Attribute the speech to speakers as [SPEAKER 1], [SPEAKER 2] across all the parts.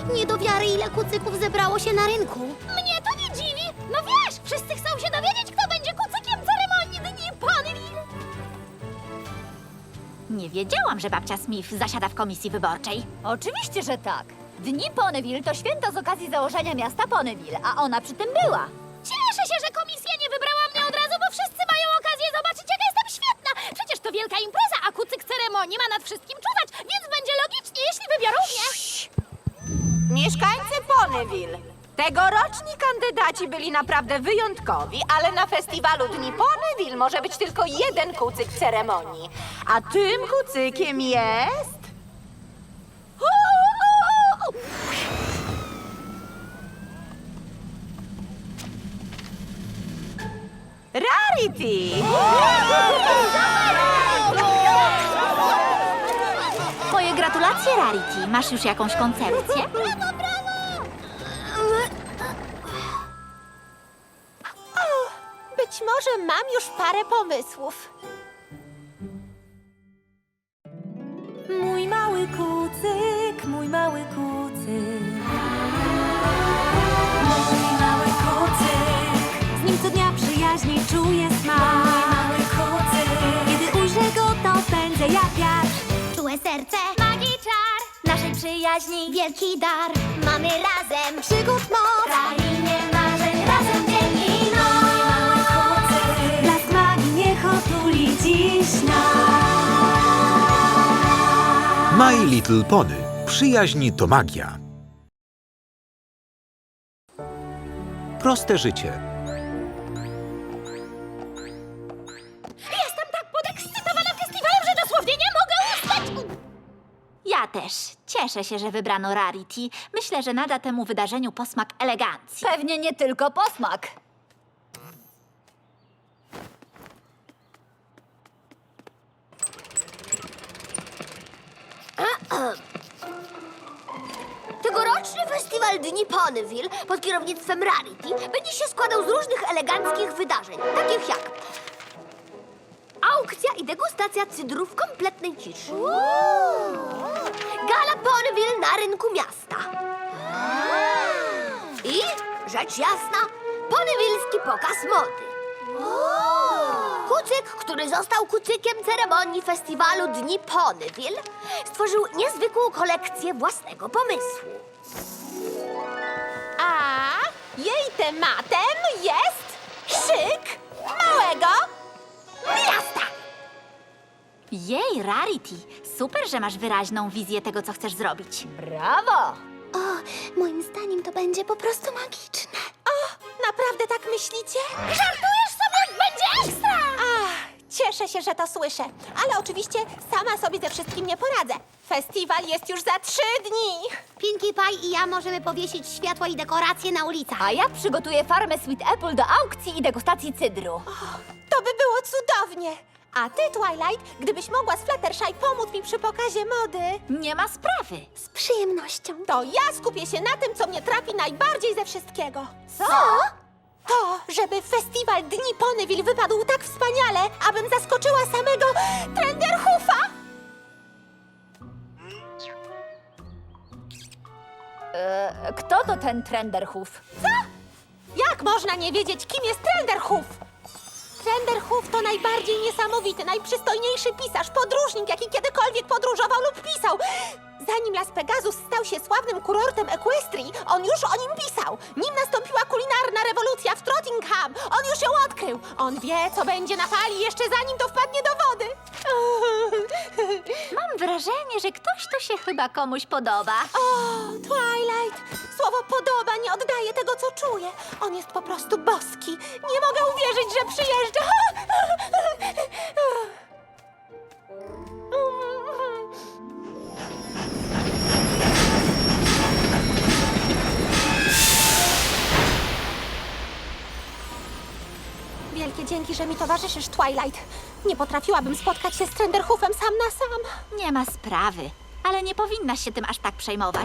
[SPEAKER 1] Nie do wiary, ile kucyków zebrało się na rynku.
[SPEAKER 2] Mnie to nie dziwi. No wiesz, wszyscy chcą się dowiedzieć, kto będzie kucykiem ceremonii Dni Ponyville.
[SPEAKER 3] Nie wiedziałam, że babcia Smith zasiada w komisji wyborczej.
[SPEAKER 2] Oczywiście, że tak. Dni Ponyville to święto z okazji założenia miasta Ponyville, a ona przy tym była. Cieszę się, że komisja nie wybrała mnie od razu, bo wszyscy mają okazję zobaczyć, jaka jestem świetna. Przecież to wielka impreza, a kucyk ceremonii ma nad wszystkim czuwać, więc będzie logicznie, jeśli wybiorą mnie.
[SPEAKER 4] Mieszkańcy Ponyville. Tegoroczni kandydaci byli naprawdę wyjątkowi, ale na festiwalu Dni Ponyville może być tylko jeden kucyk ceremonii. A tym kucykiem jest... Rarity!
[SPEAKER 3] Moje gratulacje, Rarity. Masz już jakąś koncepcję?
[SPEAKER 4] Być może mam już parę pomysłów.
[SPEAKER 5] Mój mały kucyk, mój mały kucyk. Mój mały kucyk. Z nim co dnia przyjaźni czuję smak. Mój mały kucyk. Kiedy ujrzę go, to pędzę jak wiatr.
[SPEAKER 1] Czułe serce,
[SPEAKER 2] Magii czar,
[SPEAKER 1] naszej przyjaźni wielki dar. Mamy razem przygód moc.
[SPEAKER 2] krainie marzeń, razem dzień i noc.
[SPEAKER 5] Mój mały kucyk. Blask magii niech otuli dziś nas.
[SPEAKER 6] My Little Pony. Przyjaźń to magia. Proste życie.
[SPEAKER 2] Jestem tak podekscytowana festiwalem, że dosłownie nie mogę ustać.
[SPEAKER 3] Ja też. Cieszę się, że wybrano Rarity. Myślę, że nada temu wydarzeniu posmak elegancji.
[SPEAKER 2] Pewnie nie tylko posmak.
[SPEAKER 1] Tegoroczny festiwal Dni Ponyville pod kierownictwem Rarity będzie się składał z różnych eleganckich wydarzeń, takich jak aukcja i degustacja cydru w kompletnej ciszy. Gala Ponyville na rynku miasta. I, rzecz jasna, ponywilski pokaz mody. Kucyk, który został kucykiem ceremonii festiwalu Dni Ponyville, stworzył niezwykłą kolekcję własnego pomysłu.
[SPEAKER 4] A jej tematem jest szyk małego miasta.
[SPEAKER 3] Jej, Rarity. Super, że masz wyraźną wizję tego, co chcesz zrobić.
[SPEAKER 2] Brawo!
[SPEAKER 1] O, moim zdaniem to będzie po prostu magiczne.
[SPEAKER 4] Naprawdę tak myślicie?
[SPEAKER 2] Żartujesz sobie? Będzie ekstra!
[SPEAKER 4] Cieszę się, że to słyszę, ale oczywiście sama sobie ze wszystkim nie poradzę. Festiwal jest już za 3 dni.
[SPEAKER 1] Pinkie Pie i ja możemy powiesić światła i dekoracje na ulicach.
[SPEAKER 2] A ja przygotuję farmę Sweet Apple do aukcji i degustacji cydru.
[SPEAKER 4] To by było cudownie. A ty, Twilight, gdybyś mogła z Fluttershy pomóc mi przy pokazie mody,
[SPEAKER 3] Nie ma sprawy.
[SPEAKER 1] Z przyjemnością.
[SPEAKER 4] to ja skupię się na tym, co mnie trapi najbardziej ze wszystkiego.
[SPEAKER 1] Co?
[SPEAKER 4] To, żeby festiwal Dni Ponyville wypadł tak wspaniale, abym zaskoczyła samego Trenderhoofa.
[SPEAKER 2] Kto to ten Trenderhoof?
[SPEAKER 4] Jak można nie wiedzieć, kim jest Trenderhoof? Trenderhoof to najbardziej niesamowity, najprzystojniejszy pisarz, podróżnik, jaki kiedykolwiek podróżował lub pisał. Zanim Las Pegasus stał się sławnym kurortem Equestrii, on już o nim pisał. Nim nastąpiła kulinarna rewolucja w Trottingham, on już ją odkrył. On wie, co będzie na fali jeszcze zanim to wpadnie do wody.
[SPEAKER 3] Mam wrażenie, że ktoś tu się chyba komuś podoba.
[SPEAKER 4] O, Twilight! Słowo podoba nie oddaje tego, co czuję. On jest po prostu boski. Nie mogę uwierzyć, że przyjeżdża. Wielkie dzięki, że mi towarzyszysz, Twilight. Nie potrafiłabym spotkać się z Trenderhoofem sam na sam.
[SPEAKER 3] Nie ma sprawy. Ale nie powinnaś się tym aż tak przejmować.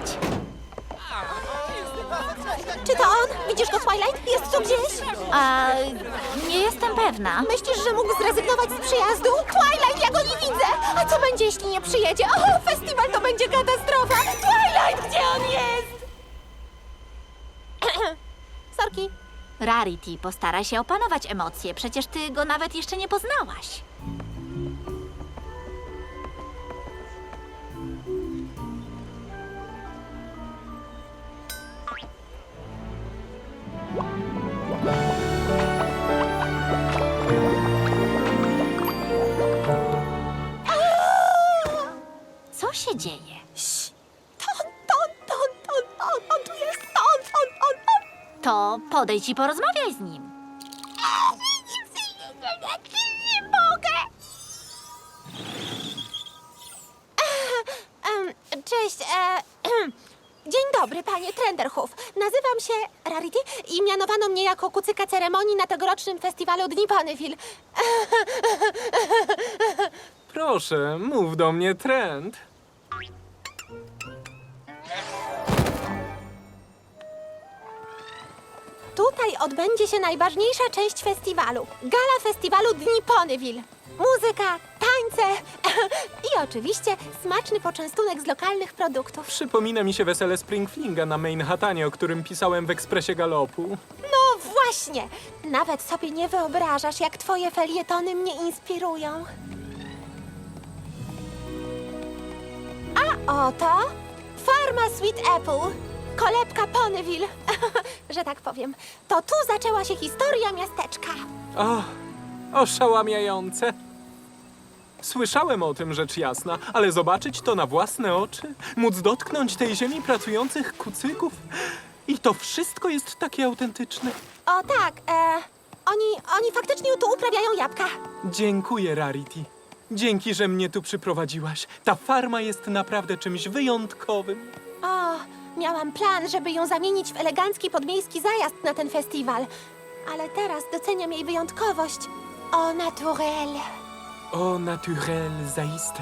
[SPEAKER 4] Czy to on? Widzisz go, Twilight? Jest tu gdzieś?
[SPEAKER 3] A nie jestem pewna.
[SPEAKER 4] Myślisz, że mógł zrezygnować z przyjazdu? Twilight, ja go nie widzę! A co będzie, jeśli nie przyjedzie? O, festiwal to będzie katastrofa! Twilight, gdzie on jest? Sorki.
[SPEAKER 3] Rarity, postaraj się opanować emocje. Przecież ty go nawet jeszcze nie poznałaś. Co się dzieje?
[SPEAKER 4] On tu jest, on.
[SPEAKER 3] To podejdź i porozmawiaj z nim.
[SPEAKER 4] Nie mogę. Cześć, dzień dobry, panie Trenderhoof. Nazywam się Rarity i mianowano mnie jako kucyka ceremonii na tegorocznym festiwalu Dni Ponyville.
[SPEAKER 7] Proszę, mów do mnie Trent.
[SPEAKER 4] Tutaj odbędzie się najważniejsza część festiwalu. Gala festiwalu Dni Ponyville. Muzyka, tańce i oczywiście smaczny poczęstunek z lokalnych produktów.
[SPEAKER 7] Przypomina mi się wesele Springflinga na Manhattanie, o którym pisałem w Ekspresie Galopu.
[SPEAKER 4] No właśnie! Nawet sobie nie wyobrażasz, jak twoje felietony mnie inspirują. A oto Farma Sweet Apple, kolebka Ponyville, że tak powiem. To tu zaczęła się historia miasteczka.
[SPEAKER 7] O, oszałamiające. Słyszałem o tym, rzecz jasna, ale zobaczyć to na własne oczy, móc dotknąć tej ziemi pracujących kucyków i to wszystko jest takie autentyczne.
[SPEAKER 4] O tak, oni faktycznie tu uprawiają jabłka.
[SPEAKER 7] Dziękuję, Rarity. Dzięki, że mnie tu przyprowadziłaś. Ta farma jest naprawdę czymś wyjątkowym.
[SPEAKER 4] O, miałam plan, żeby ją zamienić w elegancki podmiejski zajazd na ten festiwal. Ale teraz doceniam jej wyjątkowość. Au naturel.
[SPEAKER 7] O, naturel, zaiste.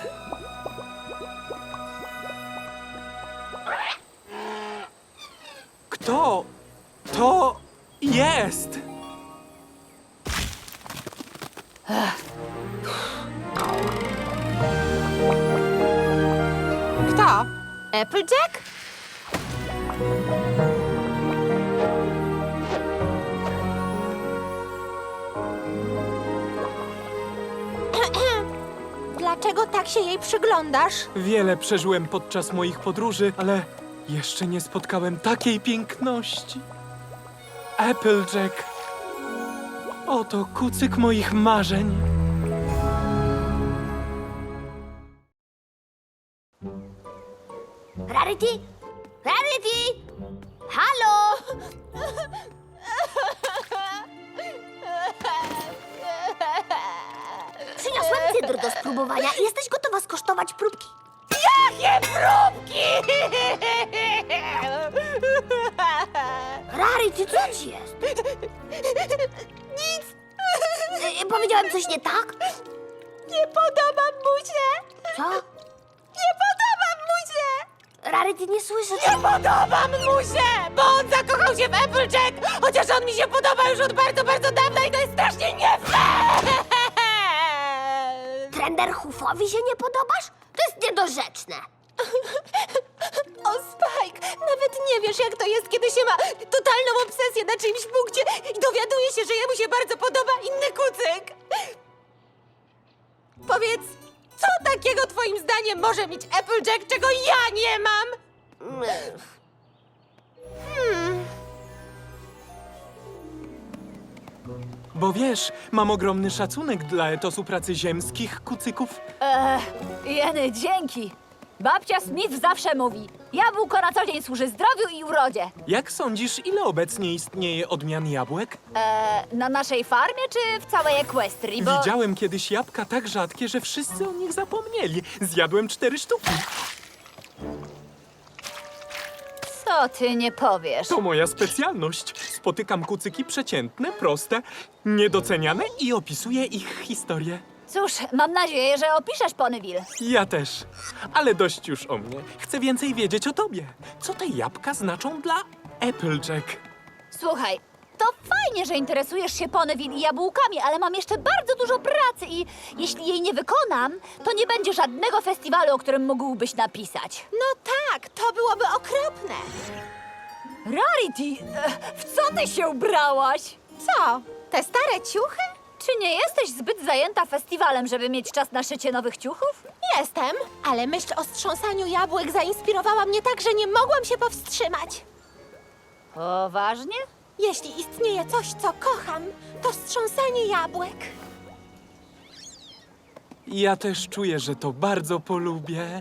[SPEAKER 7] Kto to jest?
[SPEAKER 4] Kto? Applejack? Dlaczego tak się jej przyglądasz?
[SPEAKER 7] Wiele przeżyłem podczas moich podróży, ale jeszcze nie spotkałem takiej piękności. Applejack. Oto kucyk moich marzeń.
[SPEAKER 1] Rarity? Rarity? Halo? Przyniosłem cydr do spróbowania i jesteś gotowa skosztować próbki? Rarity, co ci jest? Nic. Powiedziałem coś nie tak?
[SPEAKER 4] Nie podoba mu się!
[SPEAKER 1] Co?
[SPEAKER 4] Nie podoba mu się!
[SPEAKER 1] Rarity, nie słyszę.
[SPEAKER 4] Nie podoba mu się! Bo on zakochał się w Applejack! Chociaż on mi się podoba już od bardzo, bardzo dawna i to jest strasznie nie fair!
[SPEAKER 1] Trenderhoofowi się nie podobasz? To jest niedorzeczne.
[SPEAKER 4] O, Spike, nawet nie wiesz, jak to jest, kiedy się ma totalną obsesję na czyimś punkcie i dowiaduje się, że jemu się bardzo podoba inny kucyk. Powiedz, co takiego twoim zdaniem może mieć Applejack, czego ja nie mam?
[SPEAKER 7] Bo wiesz, mam ogromny szacunek dla etosu pracy ziemskich kucyków.
[SPEAKER 2] Jeny, dzięki. Babcia Smith zawsze mówi, jabłko na co dzień służy zdrowiu i urodzie.
[SPEAKER 7] Jak sądzisz, ile obecnie istnieje odmian jabłek?
[SPEAKER 2] Na naszej farmie czy w całej Equestrii? Bo...
[SPEAKER 7] Widziałem kiedyś jabłka tak rzadkie, że wszyscy o nich zapomnieli. Zjadłem 4 sztuki.
[SPEAKER 2] Co ty nie powiesz?
[SPEAKER 7] To moja specjalność. Spotykam kucyki przeciętne, proste, niedoceniane i opisuję ich historię.
[SPEAKER 2] Cóż, mam nadzieję, że opiszesz Ponyville.
[SPEAKER 7] Ja też. Ale dość już o mnie. Chcę więcej wiedzieć o tobie. Co te jabłka znaczą dla Applejack?
[SPEAKER 2] Słuchaj, to fajnie, że interesujesz się Ponyville i jabłkami, ale mam jeszcze bardzo dużo pracy i jeśli jej nie wykonam, to nie będzie żadnego festiwalu, o którym mógłbyś napisać.
[SPEAKER 4] No tak, to byłoby okropne.
[SPEAKER 2] Rarity, w co ty się ubrałaś?
[SPEAKER 4] Co? Te stare ciuchy?
[SPEAKER 2] Czy nie jesteś zbyt zajęta festiwalem, żeby mieć czas na szycie nowych ciuchów?
[SPEAKER 4] Jestem, ale myśl o strząsaniu jabłek zainspirowała mnie tak, że nie mogłam się powstrzymać.
[SPEAKER 2] Poważnie?
[SPEAKER 4] Jeśli istnieje coś, co kocham, to strząsanie jabłek.
[SPEAKER 7] Ja też czuję, że to bardzo polubię.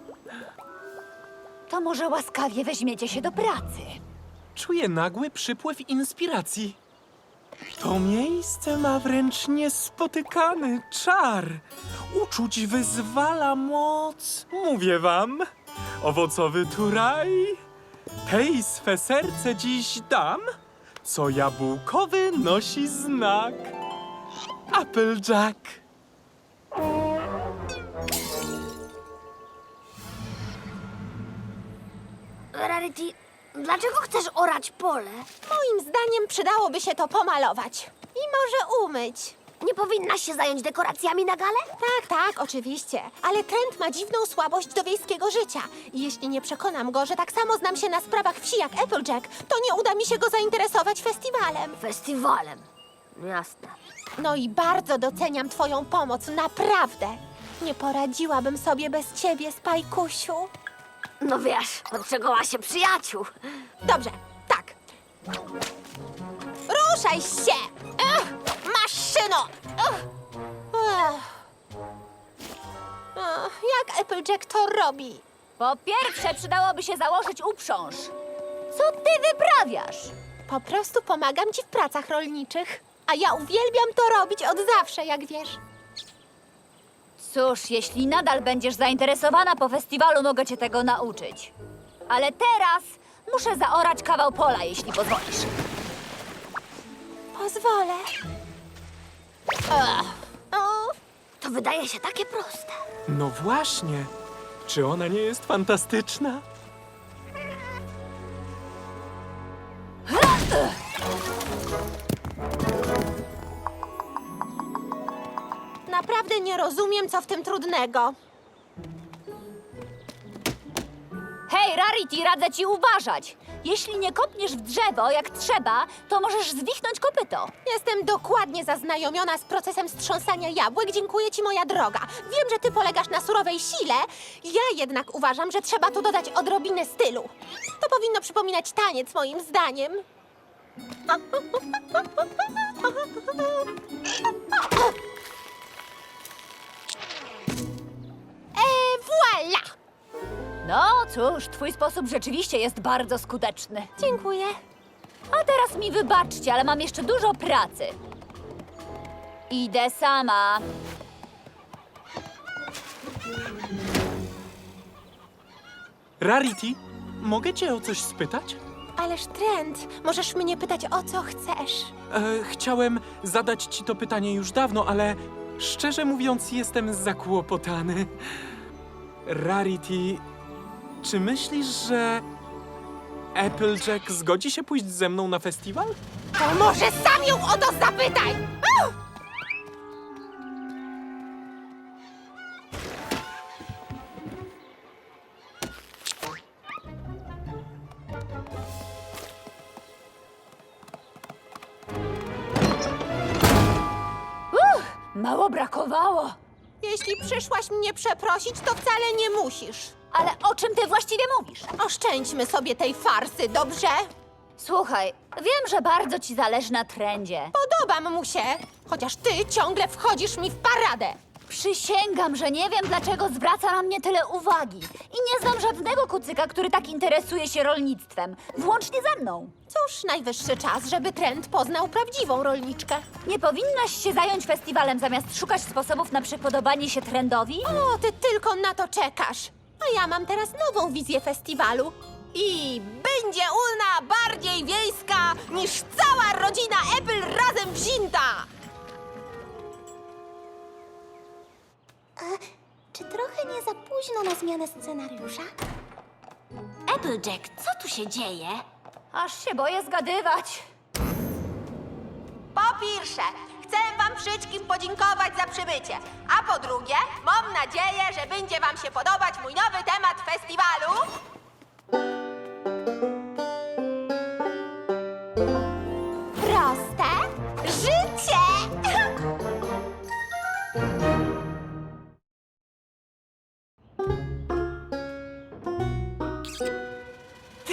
[SPEAKER 2] To może łaskawie weźmiecie się do pracy.
[SPEAKER 7] Czuję nagły przypływ inspiracji. To miejsce ma wręcz niespotykany czar. Uczuć wyzwala moc. Mówię wam, owocowy tu raj. Tej swe serce dziś dam, co jabłkowy nosi znak. Applejack.
[SPEAKER 1] Rarity, dlaczego chcesz orać pole?
[SPEAKER 4] Moim zdaniem przydałoby się to pomalować. I może umyć.
[SPEAKER 1] Nie powinnaś się zająć dekoracjami na galę?
[SPEAKER 4] Tak, oczywiście. Ale Trent ma dziwną słabość do wiejskiego życia. I jeśli nie przekonam go, że tak samo znam się na sprawach wsi jak Applejack, to nie uda mi się go zainteresować festiwalem.
[SPEAKER 1] Festiwalem. Jasne.
[SPEAKER 4] No i bardzo doceniam twoją pomoc, naprawdę. Nie poradziłabym sobie bez ciebie, Spajkusiu.
[SPEAKER 1] No wiesz, od czego ma się przyjaciół.
[SPEAKER 4] Dobrze, tak. Ruszaj się! Maszyno! Jak Applejack to robi?
[SPEAKER 2] Po pierwsze, przydałoby się założyć uprząż. Co ty wyprawiasz?
[SPEAKER 4] Po prostu pomagam ci w pracach rolniczych. A ja uwielbiam to robić od zawsze, jak wiesz.
[SPEAKER 2] Cóż, jeśli nadal będziesz zainteresowana po festiwalu, mogę cię tego nauczyć. Ale teraz muszę zaorać kawał pola, jeśli pozwolisz.
[SPEAKER 4] Pozwolę. O,
[SPEAKER 1] To wydaje się takie proste.
[SPEAKER 7] No właśnie. Czy ona nie jest fantastyczna?
[SPEAKER 4] naprawdę nie rozumiem, co w tym trudnego.
[SPEAKER 2] Hej, Rarity, radzę ci uważać. Jeśli nie kopniesz w drzewo jak trzeba, to możesz zwichnąć kopyto.
[SPEAKER 4] Jestem dokładnie zaznajomiona z procesem strząsania jabłek. Dziękuję ci, moja droga. Wiem, że ty polegasz na surowej sile. Ja jednak uważam, że trzeba tu dodać odrobinę stylu. To powinno przypominać taniec, moim zdaniem. Voila!
[SPEAKER 2] No cóż, twój sposób rzeczywiście jest bardzo skuteczny.
[SPEAKER 4] Dziękuję.
[SPEAKER 2] A teraz mi wybaczcie, ale mam jeszcze dużo pracy. Idę sama.
[SPEAKER 7] Rarity, mogę cię o coś spytać?
[SPEAKER 4] Ależ Trent, możesz mnie pytać, o co chcesz.
[SPEAKER 7] Chciałem zadać ci to pytanie już dawno, ale szczerze mówiąc jestem zakłopotany. Rarity, czy myślisz, że Applejack zgodzi się pójść ze mną na festiwal?
[SPEAKER 4] To może sam ją o to zapytaj!
[SPEAKER 2] Mało brakowało.
[SPEAKER 4] Jeśli przyszłaś mnie przeprosić, to wcale nie musisz.
[SPEAKER 2] Ale o czym ty właściwie mówisz?
[SPEAKER 4] Oszczędźmy sobie tej farsy, dobrze?
[SPEAKER 2] Słuchaj, wiem, że bardzo ci zależy na trendzie.
[SPEAKER 4] Podobam mu się, chociaż ty ciągle wchodzisz mi w paradę.
[SPEAKER 2] Przysięgam, że nie wiem, dlaczego zwraca na mnie tyle uwagi. I nie znam żadnego kucyka, który tak interesuje się rolnictwem. Włącznie ze mną.
[SPEAKER 4] Cóż, najwyższy czas, żeby Trent poznał prawdziwą rolniczkę.
[SPEAKER 2] Nie powinnaś się zająć festiwalem, zamiast szukać sposobów na przypodobanie się trendowi?
[SPEAKER 4] O, ty tylko na to czekasz. A ja mam teraz nową wizję festiwalu. I będzie ona bardziej wiejska niż cała rodzina Apple razem wzięta!
[SPEAKER 1] Czy trochę nie za późno na zmianę scenariusza?
[SPEAKER 3] Applejack, co tu się dzieje?
[SPEAKER 2] Aż się boję zgadywać.
[SPEAKER 4] Po pierwsze, chcę wam wszystkim podziękować za przybycie. A po drugie, mam nadzieję, że będzie wam się podobać mój nowy temat festiwalu.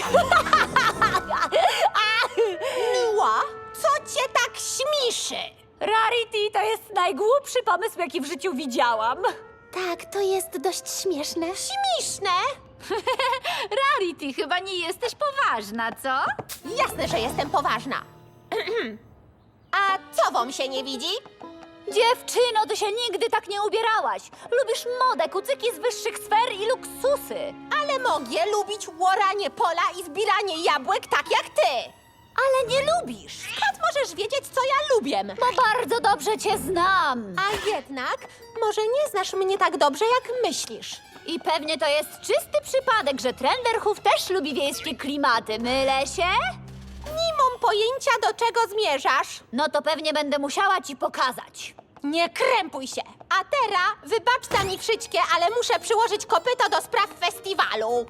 [SPEAKER 4] Miła, co cię tak śmiszy?
[SPEAKER 2] Rarity to jest najgłupszy pomysł, jaki w życiu widziałam.
[SPEAKER 4] Tak, to jest dość śmieszne. Śmieszne?
[SPEAKER 2] Rarity, chyba nie jesteś poważna, co?
[SPEAKER 4] Jasne, że jestem poważna. A co wam się nie widzi?
[SPEAKER 2] Dziewczyno, ty się nigdy tak nie ubierałaś. Lubisz modę, kucyki z wyższych sfer i luksusy.
[SPEAKER 4] Ale mogę lubić łoranie pola i zbieranie jabłek tak jak ty.
[SPEAKER 2] Ale nie lubisz,
[SPEAKER 4] Skąd możesz wiedzieć, co ja lubię?
[SPEAKER 2] bo bardzo dobrze cię znam.
[SPEAKER 4] A jednak, może nie znasz mnie tak dobrze, jak myślisz.
[SPEAKER 2] I pewnie to jest czysty przypadek, że Trenderhoof też lubi wiejskie klimaty. Mylę się?
[SPEAKER 4] Nie mam pojęcia, do czego zmierzasz.
[SPEAKER 2] No to pewnie będę musiała ci pokazać.
[SPEAKER 4] Nie krępuj się. A teraz, wybaczta mi wszystkie, ale muszę przyłożyć kopyto do spraw festiwalu.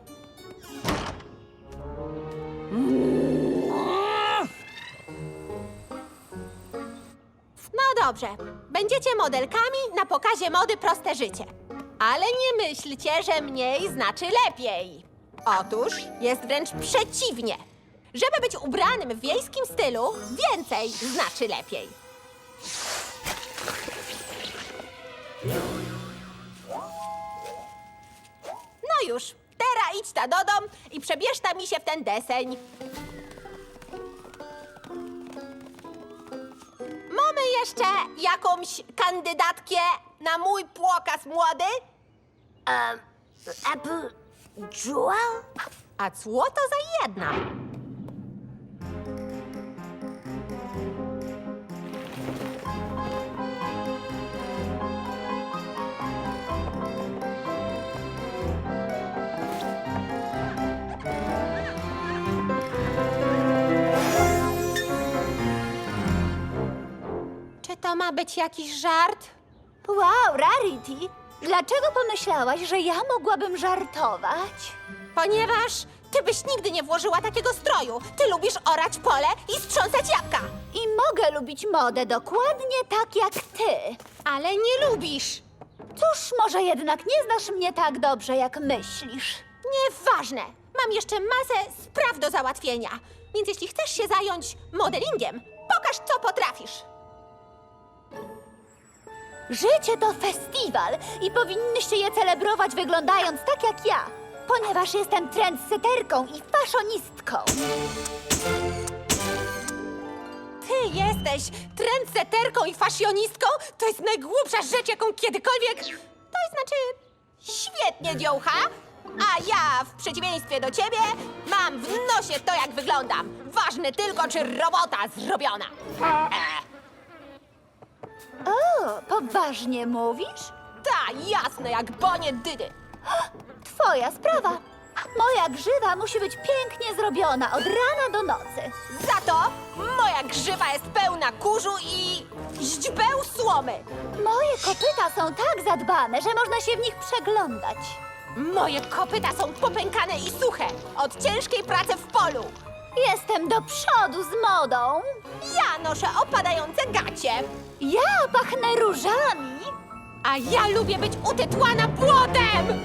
[SPEAKER 4] No dobrze, będziecie modelkami na pokazie mody Proste Życie. Ale nie myślcie, że mniej znaczy lepiej. Otóż jest wręcz przeciwnie. Żeby być ubranym w wiejskim stylu, więcej znaczy lepiej. No już, teraz idź ta do dom i przebierz ta mi się w ten deseń. Mamy jeszcze jakąś kandydatkę na mój pokaz młody?
[SPEAKER 1] Apple Jewel?
[SPEAKER 4] A co to za jedna? Czy to ma być jakiś żart?
[SPEAKER 2] Wow, Rarity, dlaczego pomyślałaś, że ja mogłabym żartować?
[SPEAKER 4] Ponieważ ty byś nigdy nie włożyła takiego stroju. Ty lubisz orać pole i strząsać jabłka.
[SPEAKER 2] I mogę lubić modę dokładnie tak jak ty.
[SPEAKER 4] Ale nie lubisz.
[SPEAKER 2] Cóż, może jednak nie znasz mnie tak dobrze, jak myślisz.
[SPEAKER 4] Nieważne. Mam jeszcze masę spraw do załatwienia. Więc jeśli chcesz się zająć modelingiem, pokaż, co potrafisz.
[SPEAKER 2] Życie to festiwal i powinnyście je celebrować wyglądając tak jak ja, ponieważ jestem trendseterką i faszonistką.
[SPEAKER 4] Ty jesteś trendseterką i faszjonistką? To jest najgłupsza rzecz, jaką kiedykolwiek... To znaczy... Świetnie, dziołcha. A ja, w przeciwieństwie do ciebie, mam w nosie to, jak wyglądam. Ważne tylko, czy robota zrobiona.
[SPEAKER 2] O, poważnie mówisz?
[SPEAKER 4] Ta, jasne, jak bonie dydy.
[SPEAKER 2] Twoja sprawa. Moja grzywa musi być pięknie zrobiona od rana do nocy.
[SPEAKER 4] Za to moja grzywa jest pełna kurzu i źdźbeł słomy.
[SPEAKER 2] Moje kopyta są tak zadbane, że można się w nich przeglądać.
[SPEAKER 4] Moje kopyta są popękane i suche od ciężkiej pracy w polu.
[SPEAKER 2] Jestem do przodu z modą.
[SPEAKER 4] Ja noszę opadające gacie,
[SPEAKER 2] Ja pachnę różami.
[SPEAKER 4] a ja lubię być utytłana błotem.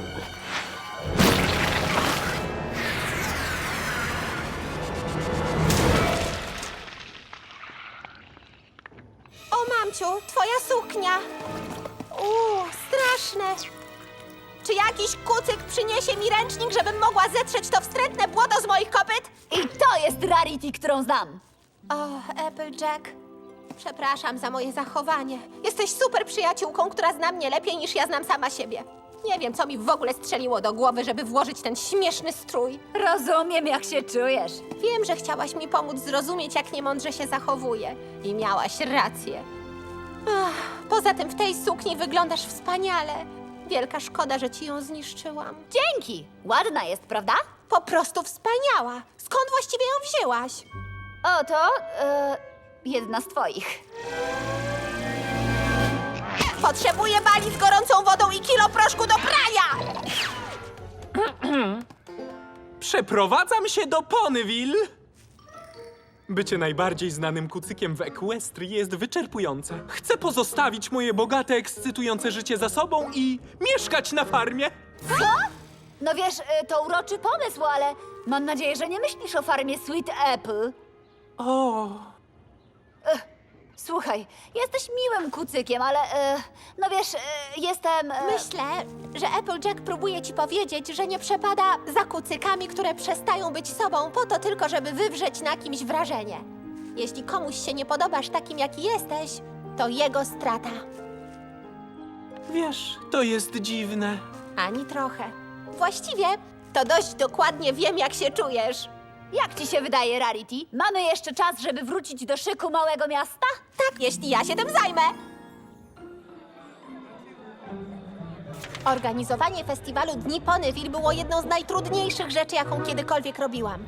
[SPEAKER 4] O, mamciu, twoja suknia. Straszne. Czy jakiś kucyk przyniesie mi ręcznik, żebym mogła zetrzeć to wstrętne błoto z moich kopyt?
[SPEAKER 2] I to jest Rarity, którą znam.
[SPEAKER 4] O, Applejack. Przepraszam za moje zachowanie. Jesteś super przyjaciółką, która zna mnie lepiej niż ja znam sama siebie. Nie wiem, co mi w ogóle strzeliło do głowy, żeby włożyć ten śmieszny strój.
[SPEAKER 2] Rozumiem, jak się czujesz.
[SPEAKER 4] Wiem, że chciałaś mi pomóc zrozumieć, jak niemądrze się zachowuję. I miałaś rację. Poza tym w tej sukni wyglądasz wspaniale. Wielka szkoda, że ci ją zniszczyłam.
[SPEAKER 2] Dzięki. Ładna jest, prawda?
[SPEAKER 4] Po prostu wspaniała. Skąd właściwie ją wzięłaś?
[SPEAKER 2] Oto, jedna z twoich.
[SPEAKER 4] Potrzebuję bali z gorącą wodą i kilo proszku do prania!
[SPEAKER 7] Przeprowadzam się do Ponyville. Bycie najbardziej znanym kucykiem w Equestrii jest wyczerpujące. Chcę pozostawić moje bogate, ekscytujące życie za sobą i mieszkać na farmie.
[SPEAKER 2] No wiesz, to uroczy pomysł, ale Mam nadzieję, że nie myślisz o farmie Sweet Apple.
[SPEAKER 7] O,
[SPEAKER 2] Słuchaj, jesteś miłym kucykiem, ale no wiesz, jestem...
[SPEAKER 4] Myślę, że Applejack próbuje ci powiedzieć, że nie przepada za kucykami, które przestają być sobą po to tylko, żeby wywrzeć na kimś wrażenie. Jeśli komuś się nie podobasz takim, jaki jesteś, to jego strata.
[SPEAKER 7] wiesz, to jest dziwne.
[SPEAKER 4] Ani trochę. Właściwie to dość dokładnie wiem, jak się czujesz.
[SPEAKER 2] Jak ci się wydaje, Rarity? Mamy jeszcze czas, żeby wrócić do szyku małego miasta?
[SPEAKER 4] Tak, jeśli ja się tym zajmę. Organizowanie festiwalu Dni Ponyville było jedną z najtrudniejszych rzeczy, jaką kiedykolwiek robiłam.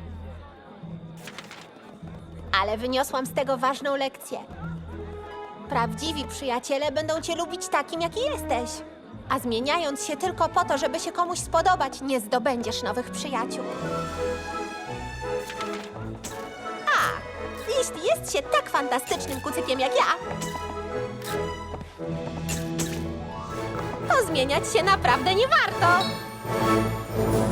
[SPEAKER 4] Ale wyniosłam z tego ważną lekcję. Prawdziwi przyjaciele będą cię lubić takim, jaki jesteś. A zmieniając się tylko po to, żeby się komuś spodobać, nie zdobędziesz nowych przyjaciół. A, jeśli jest się tak fantastycznym kucykiem jak ja, to zmieniać się naprawdę nie warto.